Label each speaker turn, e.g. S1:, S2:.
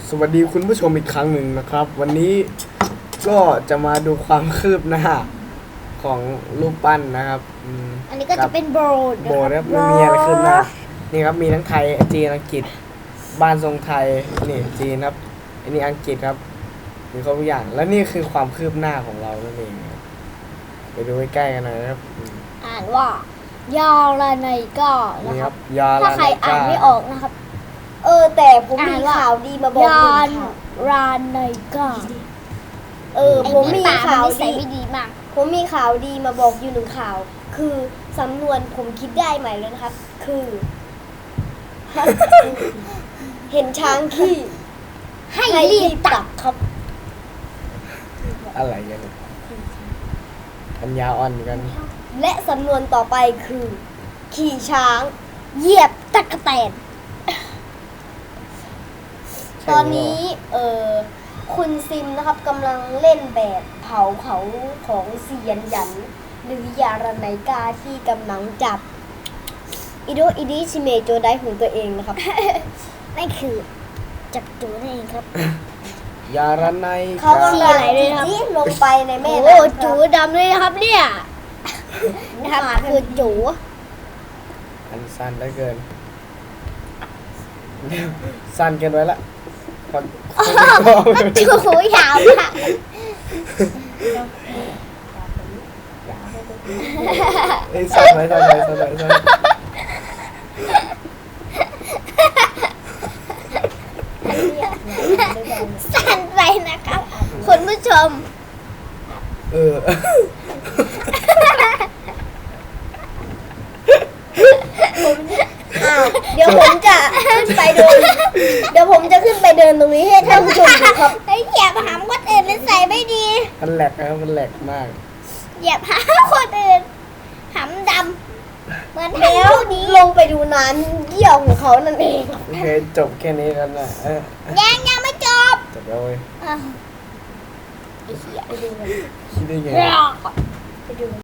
S1: สวัสดีคุณผู้ชมอีกครั้งหนึ่งนะครับ วันนี้ก็จะมาดูความคืบหน้าของรูปปั้นนะครับ
S2: อันนี้ก็จะเป็นโบสถ์
S1: โบสถ์นะครับมันมีอะไรคืบหน้านี่ครับมีทั้งไทยจีนอังกฤษบ้านทรงไทยนี่จีนครับอันนี้อังกฤษครับมีครบทุกอย่างแล้วนี่คือความคืบหน้าของเรานั่นเองครับไปดูใกล้ๆกันหน่อยนะครับ
S2: อ่านว่ายาลาไนก้านะ
S1: นี่
S2: ค
S1: ค
S2: รั
S1: รั
S2: บบ
S1: ยา
S2: ถ้า
S1: ลา
S2: ใครอ่านไม่ออกนะครับ
S3: แต่ผมมีข่าวดีมาบอก
S2: ยา
S3: คุณ
S2: น
S3: ค่ะ
S2: ราไนก้า
S3: ผมมีข่าว
S2: ใส่
S3: ดี
S2: ไม่ดีมาก
S3: ผมมีข่าวดีมาบอกอยู่หนึ่งข่าว คือสำนวนผมคิดได้ใหม่แล้วนะครับ คือ เห็นช้างขี้
S2: ให้รีบตัก
S3: ครับ
S1: อะไรกันเนี่ยปัญญาอ่อนกัน
S3: และสำนวนต่อไปคือ ขี่ช้าง
S2: เหยียบตะกแตน
S3: ตอนนี้คุณซิมนะครับกำลังเล่นแบบเผาเขาของเซียนหยัน หรือยาระไนกาที่กำลังจับอิโดอิดิชิเมโจไดของตัวเองนะครับ
S2: นั่นคือจับจูนั่นเองครับ
S1: ยาระไน
S3: เขา
S1: กา
S3: กำลังจี้ลงไปในแม่
S2: โอ้
S3: น้ำ
S2: จูดำเลยนะครับเนี่ยนะครับคือจู
S1: อันสั้นได้เกิน สั้นเกินไปละคน
S2: จูยาวมาก
S1: ไอ้สั้นไปสั้นไปสั้นไปสั้น
S2: สั้นไปนะครับคุณผู้ชม
S1: เออ
S3: เดี๋ยวผมจะขึ้นไปเดิน เดี๋ยวผมจะขึ้นไปเดินตรงนี้ให้ท่านผู้ชมดูครับ
S2: ไอ้เหยียบหามคนอื่นใส่ไม่ดี
S1: มันแหลกนะครับมันแหลกมาก
S2: เหยียบหามคนอื่นหามดำเหมือน
S3: แล้
S2: แถ
S3: ว
S2: วนี้
S3: ลงไปดูน้ำเยี่ยวของเขานั่นเอง
S1: โอเคจบแค่นี้กันนะ
S2: ยังไม่จบ
S1: จบแล้วเว้ย
S2: อ้าวไอ้เหี้ย
S1: คิดได้ไง
S2: รอ
S3: ไปดู